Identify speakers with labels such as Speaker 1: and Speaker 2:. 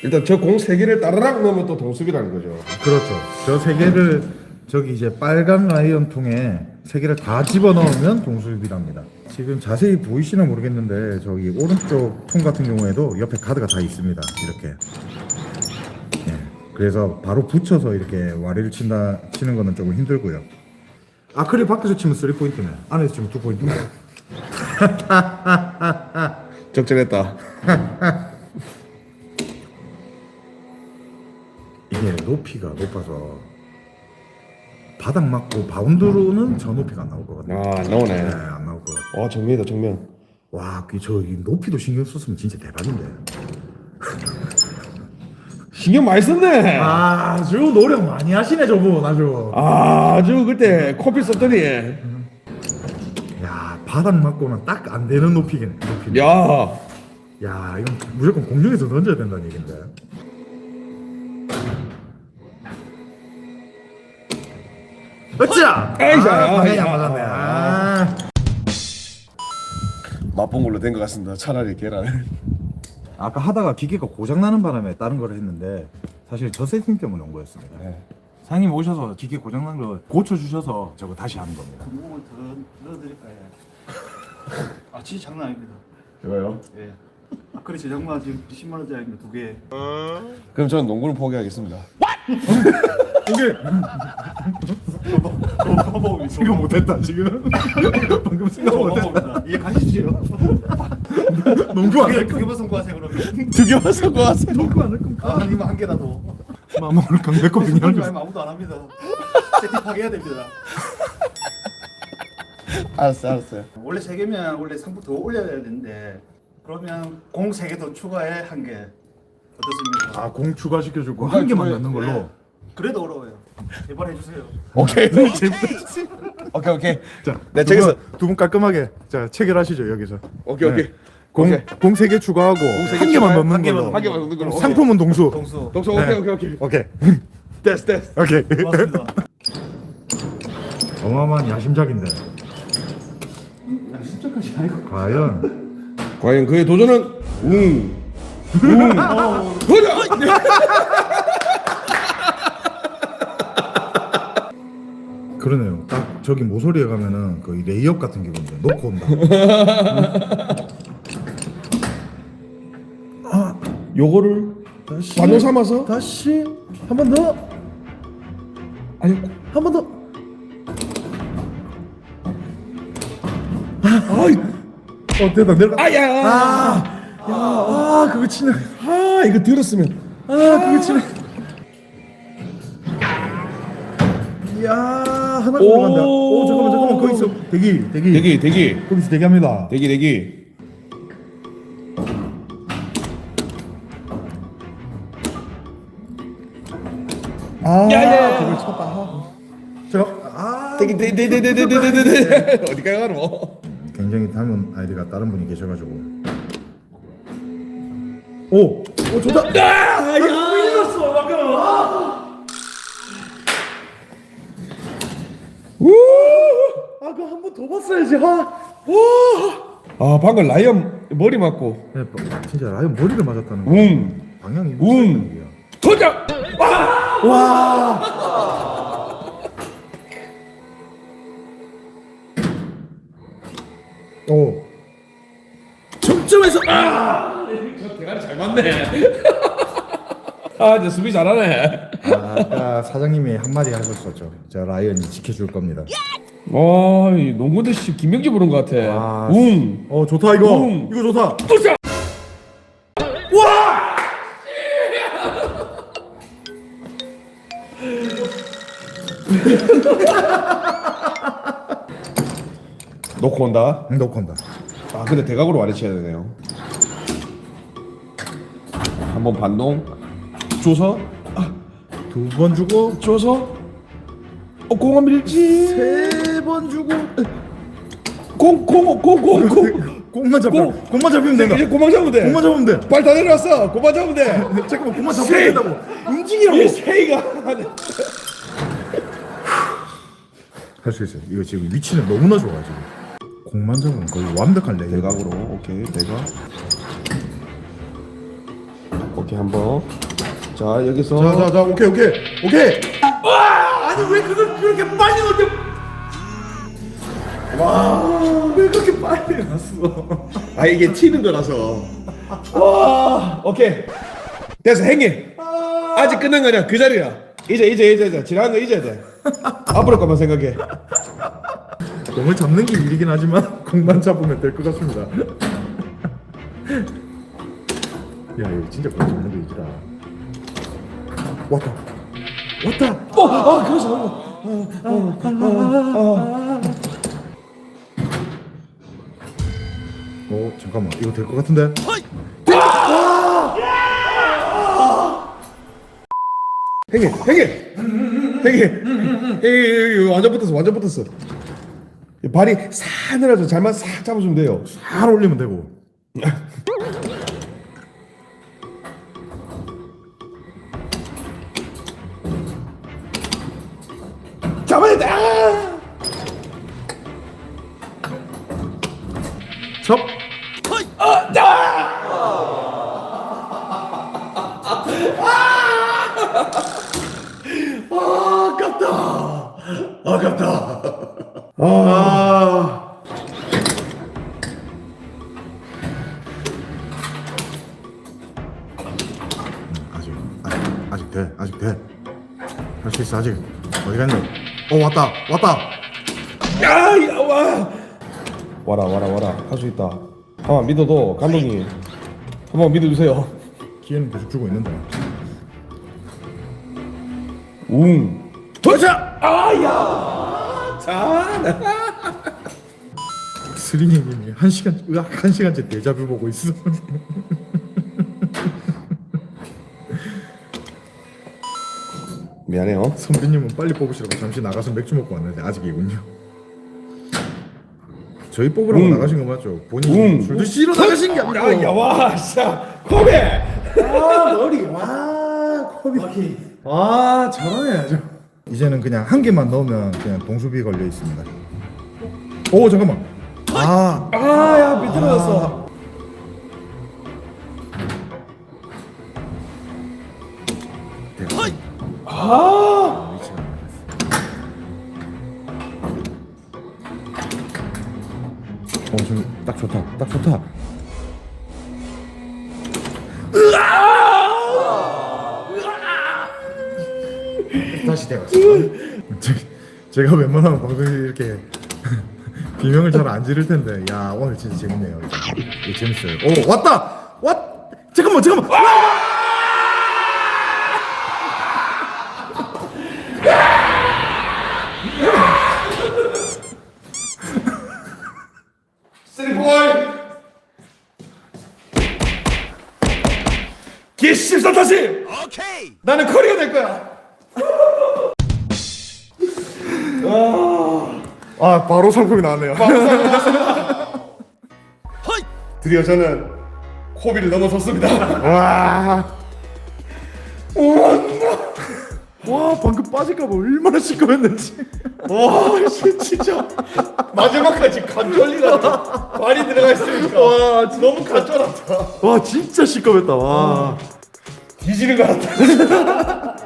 Speaker 1: 일단 저 공 세 개를 따라락 넣으면 또 동습이라는 거죠.
Speaker 2: 그렇죠. 저 세 개를 저기 이제 빨간 라이언 통에 세 개를 다 집어 넣으면 동수입이랍니다. 지금 자세히 보이시나 모르겠는데 저기 오른쪽 통 같은 경우에도 옆에 카드가 다 있습니다. 이렇게. 예. 그래서 바로 붙여서 이렇게 와리를 치는 거는 조금 힘들고요. 아크릴 밖에서 치면 3포인트네. 안에서 치면 2포인트네.
Speaker 1: 적절했다.
Speaker 2: 이게 높이가 높아서 바닥 맞고 바운드로는 저 높이가 안 나올 것 같아요.
Speaker 1: 아, 안 나오네.
Speaker 2: 네, 안 나올 것 같아요.
Speaker 1: 정면이다, 정면.
Speaker 2: 와, 이 높이도 신경 썼으면 진짜 대박인데.
Speaker 1: 신경 많이 썼네.
Speaker 2: 아주 노력 많이 하시네 저분 아주.
Speaker 1: 아주 그때 코피 썼더니.
Speaker 2: 야, 바닥 맞고는 딱 안 되는 높이겠네. 높이네.
Speaker 1: 야,
Speaker 2: 야, 이건 무조건 공중에서 던져야 된다는 얘긴데. 어찌야! 방향이 안 맞았네.
Speaker 1: 맛본 걸로 된 것 같습니다. 차라리 계란을.
Speaker 2: 아까 하다가 기계가 고장 나는 바람에 다른 걸 했는데 사실 저 세팅 때문에 온 거였습니다.
Speaker 1: 네.
Speaker 2: 상님 오셔서 기계 고장 난 거 고쳐 주셔서 저거 다시 하는 겁니다.
Speaker 3: 구멍을 더 넣어드릴까요? 아 진짜 장난 아닙니다.
Speaker 1: 이거요?
Speaker 3: 예. 아크릴 제작만 지금 10만 원짜리입니다. 2개.
Speaker 1: 그럼 저는 농구를 포기하겠습니다.
Speaker 2: 이게
Speaker 3: 버벅이
Speaker 2: 생각 못했다 지금. 방금 생각 못했다.
Speaker 3: 이해 가시죠?
Speaker 2: 농구 안 할
Speaker 3: 그게 무슨 과세 그러면?
Speaker 1: 두 개만 섞어 왔어요.
Speaker 2: 농구 안 할 건가?
Speaker 3: 아 아니면 한 개라도.
Speaker 2: 마마 오늘 강백호
Speaker 3: 그래서
Speaker 2: 빙하를
Speaker 3: 말면 아무도 안 합니다. 세팅 파괴해야 됩니다.
Speaker 1: 알았어요.
Speaker 3: 원래 3개면 원래 상품 더 올려야 되는데 그러면 공 3개 더 추가해 1개 어떻습니까?
Speaker 2: 아공 추가시켜주고 한 개만 넣는 걸로.
Speaker 3: 네. 그래도 어려워요. 제발 해주세요.
Speaker 1: 오케이. 오케이.
Speaker 2: 자,
Speaker 1: 네, 저기서.
Speaker 2: 두분 깔끔하게 자 체결하시죠 여기서.
Speaker 1: 오케이.
Speaker 2: 공
Speaker 1: 오케이.
Speaker 2: 공 3개 추가하고
Speaker 1: 세
Speaker 2: 한
Speaker 1: 개
Speaker 2: 개만
Speaker 1: 추가해?
Speaker 2: 넣는
Speaker 3: 한 개만
Speaker 2: 걸로.
Speaker 1: 한 개만 넣는 걸로.
Speaker 2: 상품은 동수.
Speaker 3: 동수.
Speaker 1: 동서
Speaker 2: 네.
Speaker 1: 오케이.
Speaker 2: 오케이.
Speaker 1: 됐어.
Speaker 2: 오케이.
Speaker 3: 고맙습니다.
Speaker 2: 어마어마한 야심작인데
Speaker 3: 진짜까지 아니고.
Speaker 2: 과연
Speaker 1: 그의 도전은 도전!
Speaker 2: 그러네요. 딱 저기 모서리에 가면은 그 레이업 같은 기분인데 놓고 온다.
Speaker 1: 요거를
Speaker 2: 다시
Speaker 1: 반로 삼아서
Speaker 2: 다시 한 번 더.
Speaker 1: 아니
Speaker 2: 한 번 더. 됐다 내려가. 그거 치네.
Speaker 1: 이거 들었으면
Speaker 2: 그거 치네. 야, 하나 들어간다. 잠깐만. 거기서 대기. 거기서 대기합니다.
Speaker 1: 대기
Speaker 2: 그걸 쳤다. 제가
Speaker 1: 대기 어디까지 가노?
Speaker 2: 굉장히 닮은 아이디가 다른 분이 계셔가지고. 오, 좋다. 이겼어 방금. 그거 한 번 더 봤어야지.
Speaker 1: 방금 라이언 머리 맞고
Speaker 2: 네, 진짜 라이언 머리를 맞았다는 거. 방향이
Speaker 1: 도전!
Speaker 2: 오.
Speaker 1: 점점에서 저 대가리 잘 맞네. 이제 수비 잘하네.
Speaker 2: 아까 사장님이 한마디 하셨었죠. 저 라이언이 지켜줄 겁니다.
Speaker 1: 이 농구대 씨 김명지 부른 것 같아.
Speaker 2: 좋다 이거.
Speaker 1: 웅.
Speaker 2: 이거 좋다.
Speaker 1: 도전! 놓고 온다.
Speaker 2: 놓고 온다.
Speaker 1: 근데 대각으로 와리 쳐야 되네요. 한번 반동 줘서
Speaker 2: 두 번 주고
Speaker 1: 공은 밀지.
Speaker 2: 세 번 주고
Speaker 1: 공
Speaker 2: 공만 잡히면 된다.
Speaker 1: 이제 공만 잡으면 돼.
Speaker 2: 공만 잡으면 돼.
Speaker 1: 발 다 내려왔어. 공만 잡으면 돼.
Speaker 2: 잠깐만 공만
Speaker 1: 세이.
Speaker 2: 잡혀야 된다고. 움직이라고.
Speaker 1: 이 세이가
Speaker 2: 할 수 있어요. 이거 지금 위치는 너무나 좋아 지금. 공만 잡으면 거의 완벽한 레이업.
Speaker 1: 대각으로. 오케이 대각. 오케이 한번. 자 여기서.
Speaker 2: 자, 오케이. 와, 아니 왜 그걸 그렇게 빨리 넣었냐? 와, 왜 그렇게 빨리 났어?
Speaker 1: 아 이게 튀는 거라서. 와 오케이 됐어 행님. 아직 끝난 거냐 그 자리야. 이제 지나간 거 잊어야 돼. 앞으로 것만 생각해.
Speaker 2: 공을 잡는 게 일이긴 하지만 공만 잡으면 될 것 같습니다. 야, 이거 진짜 공 잡는 게 일이다. 왔다.
Speaker 1: 그래서.
Speaker 2: 잠깐만, 이거 될 것 같은데?
Speaker 1: 행님 완전 붙었어. 발이 사늘해서 잘만 싹 잡아주면 돼요.
Speaker 2: 잘 올리면 되고.
Speaker 1: 잡아야 돼.
Speaker 2: 접. 아깝다. 아직 돼. 할 수 있어, 아직. 어디 갔니? 왔다.
Speaker 1: 야, 와라. 할 수 있다. 한번 믿어도 감독님. 한번 믿어주세요.
Speaker 2: 기회는 계속 주고 있는데.
Speaker 1: 도착! 자,
Speaker 2: 스리님이 한 시간째 데자뷰 보고 있어.
Speaker 1: 미안해요.
Speaker 2: 선배님은 빨리 뽑으시라고 잠시 나가서 맥주 먹고 왔는데 아직이군요. 저희 뽑으라고 나가신 거 맞죠? 본인이 술 드시러 나가신 게 아니고.
Speaker 1: 와, 자, 코베.
Speaker 2: 머리. 코비. 잘하네 아주. 이제는 그냥 한 개만 넣으면 그냥 동수비 걸려 있습니다. 오, 잠깐만.
Speaker 1: 야, 비틀어졌어.
Speaker 2: 좀 딱 좋다. 다시 대갔어. 제가 웬만하면 방송에 이렇게 비명을 잘 안 지를 텐데, 야 오늘 진짜 재밌네요. 이거 재밌어요. 왔다. 잠깐만.
Speaker 1: 기14 다시. 오케이. 나는 커리가 될 거야.
Speaker 2: 바로 상품이 나왔네요.
Speaker 1: 드디어 저는 코비를 넘어섰습니다.
Speaker 2: 와, 방금 빠질까봐 얼마나 시끄러웠는지.
Speaker 1: 와, 진짜 마지막까지 간절리가 많이 들어가 있으니까 너무 간절하다.
Speaker 2: 와, 진짜 시끄럽다. 와.
Speaker 1: 뒤지는 것 같다.